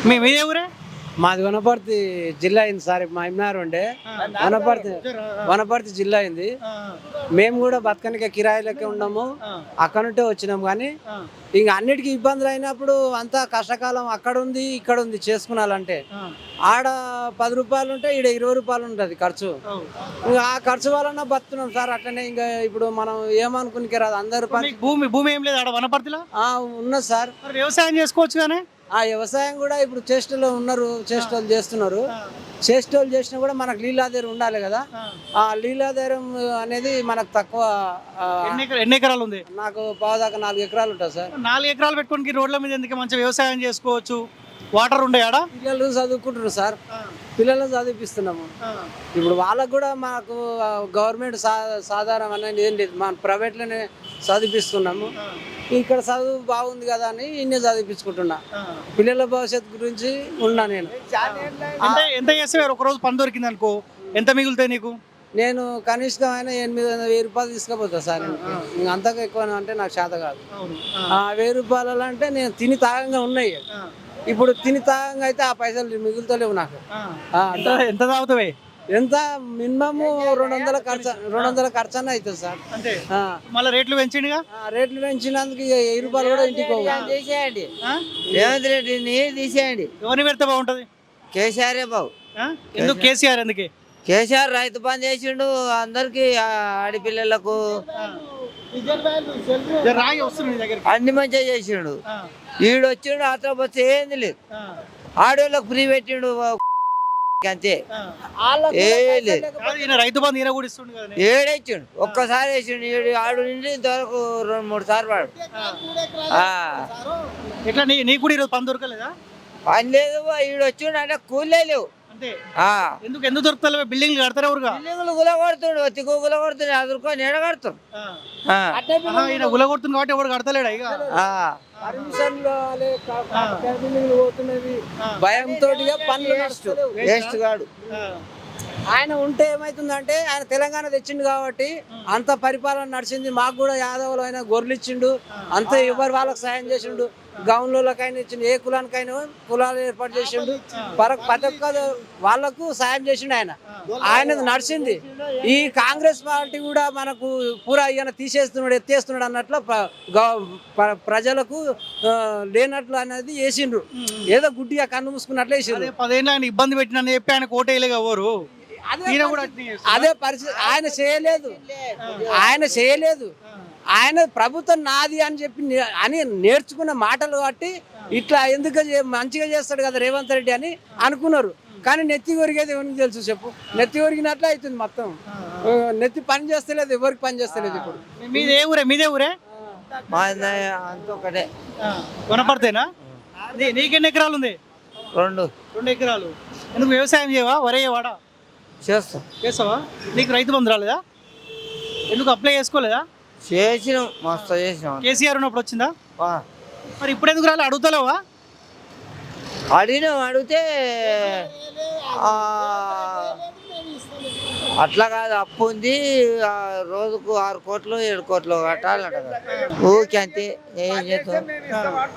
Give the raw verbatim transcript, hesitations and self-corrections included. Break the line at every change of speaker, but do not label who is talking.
మీ మీదే ఊరే?
మాది వనపర్తి జిల్లా అయింది సార్. మా ఇమ్నారు ఉండే వనపర్తి వనపర్తి జిల్లా అయింది. మేము కూడా బతకనికే కిరాయిలకే ఉన్నాము. అక్కడ నుంటే వచ్చినాం. కానీ ఇంకా అన్నిటికీ ఇబ్బందులు అయినప్పుడు అంతా కష్టకాలం అక్కడ ఉంది ఇక్కడ ఉంది చేసుకున్నాలంటే ఆడ పది రూపాయలు ఉంటే ఈడ ఇరవై రూపాయలు ఉంటుంది ఖర్చు. ఇంకా ఆ ఖర్చు వలన బతున్నాం సార్. అట్లనే ఇంకా ఇప్పుడు మనం ఏమనుకునికే రాదు. అందరు
మీకు భూమి భూమి ఏం లేదు ఆడ వనపర్తిలో?
ఉన్నది సార్.
మరి వ్యవసాయం చేసుకోవచ్చు కానీ.
ఆ వ్యవసాయం కూడా ఇప్పుడు చేష్టలు ఉన్నారు, చేష్టలు చేస్తున్నారు. చేష్టలు చేసినా కూడా మనకు లీలాధారం ఉండాలి కదా. ఆ లీలాధారం అనేది మనకు తక్కువ.
ఎన్ని ఎకరా- ఎన్ని ఎకరాలు ఉంది?
నాకు పావుదాకా నాలుగు ఎకరాలు ఉంటుంది సార్.
నాలుగు ఎకరాలు పెట్టుకోనికి రోడ్ల మీద ఎందుకు? మంచి వ్యవసాయం చేసుకోవచ్చు. వాటర్ ఉండే ఆడ.
పిల్లలు చదువుకుంటున్నారు సార్. పిల్లలను చదివిపిస్తున్నాము. ఇప్పుడు వాళ్ళకు కూడా మాకు గవర్నమెంట్ సా సాధారణ అనేది ఏం లేదు. మన ప్రైవేట్లోనే చదివిపిస్తున్నాము. ఇక్కడ చదువు బాగుంది కదా అని ఇన్నే చదివించుకుంటున్నా. పిల్లల భవిష్యత్తు గురించి ఉన్నా నేను.
అంటే ఎంత చేస్తే ఒక రోజు పని దొరికింది అనుకో, ఎంత మిగులుతాయి నీకు?
నేను కనిష్టం అయినా ఎనిమిది వందల వెయ్యి రూపాయలు తీసుకుపోతా సార్. ఇంకా అంతగా ఎక్కువ అంటే నాకు చేత కాదు. ఆ వెయ్యి రూపాయలు అంటే నేను తిని తాగంగా ఉన్నాయి. ఇప్పుడు తిని తాగంగా అయితే ఆ పైసలు మిగులుతలేవు నాకు.
ఎంత తాగుతావే?
ఎంత మినిమమ్ రెండు వందల ఖర్చు రెండు వందల ఖర్చు అన్న అవుతుంది సార్.
అంటే మళ్ళీ రేట్లు పెంచిండుగా.
రేట్లు పెంచినందుకు ఇక వెయ్యి రూపాయలు కూడా ఇంటికి
తీసేయండి. రేవంత్ రెడ్డిని తీసేయండి.
ఎవరిని పెడితే బాగుంటది?
కేసీఆర్ బాబు.
ఎందుకు కేసీఆర్? ఎందుకే?
కేసీఆర్ రైతు బంద్ చేసిండు అందరికి, ఆడపిల్లలకు
రాయి వస్తుంది నీ దగ్గరికి.
అన్ని మంచిగా చేసిండు. ఈడు వచ్చిండు ఆటో బస్సు ఏంది లేదు. ఆడోళ్ళకు ఫ్రీ పెట్టిండు అంతే. ఏ లేదు.
ఈయన రైతు బంధు ఈయన కూడా ఇస్తుండు కదా.
ఏడేచ్చిండు, ఒక్కసారి వేసిండు. ఏడు ఆడు నుండి ఇంతవరకు రెండు మూడు సార్లు వాడు.
ఎట్లా నీ నీకు కూడా ఈరోజు పని దొరకలేదా?
పని లేదు. ఈడు వచ్చిండు అంటే కూలే లేవు.
అంటే ఎందుకు ఎందుకు దొరుకుతలేవు? బిల్డింగ్లు కడతారు ఎవరుగా?
బిల్డింగ్లు గుల కొడుతుండు, తిక్కు గుల కొడుతుండు, అదురుకొని ఎడ కడతారు.
ఈయన గుల కొడుతుంది కాబట్టి ఎవరు కడతలేడా? ఇక
భయంతో పనులు
వేస్ట్ కాడు.
ఆయన ఉంటే ఏమైతుందంటే ఆయన తెలంగాణ తెచ్చిండు కాబట్టి అంత పరిపాలన నడిచింది. మాకు కూడా యాదవులు అయినా గొర్రెలు ఇచ్చిండు. అంత ఎవరు వాళ్ళకి సాయం చేసిండు. గౌన్లకైనా ఇచ్చిండు. ఏ కులానికైనా కులాలు ఏర్పాటు చేసిండు. ప్రతి ఒక్క వాళ్ళకు సాయం చేసిండు ఆయన. ఆయన నడిచింది. ఈ కాంగ్రెస్ పార్టీ కూడా మనకు పూరా ఈయన తీసేస్తున్నాడు, ఎత్తేస్తున్నాడు అన్నట్లు ప్రజలకు లేనట్లు అనేది వేసిండ్రు. ఏదో గుడ్డిగా కన్ను మూసుకున్నట్లు వేసిండ్రు.
పదేళ్ళు ఆయన ఇబ్బంది పెట్టిన చెప్పి ఆయన కోటేయలేగా ఎవరు.
అదే పరిస్థితి. ఆయన చేయలేదు ఆయన చేయలేదు ఆయన ప్రభుత్వం నాది అని చెప్పి అని నేర్చుకున్న మాటలు బట్టి ఇట్లా ఎందుకు మంచిగా చేస్తాడు కదా రేవంత్ రెడ్డి అని అనుకున్నారు. కానీ నెత్తి కొరిగేది ఎవరికి తెలుసు చెప్పు? నెత్తి కొరిగినట్లే అవుతుంది మొత్తం. నెత్తి పని చేస్తలేదు, ఎవరికి పని చేస్తలేదు. ఇప్పుడు
మీదే ఊరే? మీదే ఊరే?
అంత ఒకటే.
వనపడితేనా? నీకెన్ని ఎకరాలు ఉంది?
రెండు
రెండు ఎకరాలు. ఎందుకు వ్యవసాయం చేయవా? వరే వాడా?
చేస్తాం.
చేస్తావా? నీకు రైతు బంధు రాలేదా? ఎందుకు అప్లై చేసుకోలేదా?
చేసినాం, మస్తు చేసినాం.
కేసీఆర్ ఉన్నప్పుడు వచ్చిందా? మరి ఇప్పుడు ఎందుకు రాలే? అడుగుతలేవా?
అడిగినాం. అడిగితే అట్లా కాదు, అప్పు ఉంది, రోజుకు ఆరు కోట్లు ఏడు కోట్లు కట్టాలంట. ఓకే అంతే, ఏం చేస్తాం.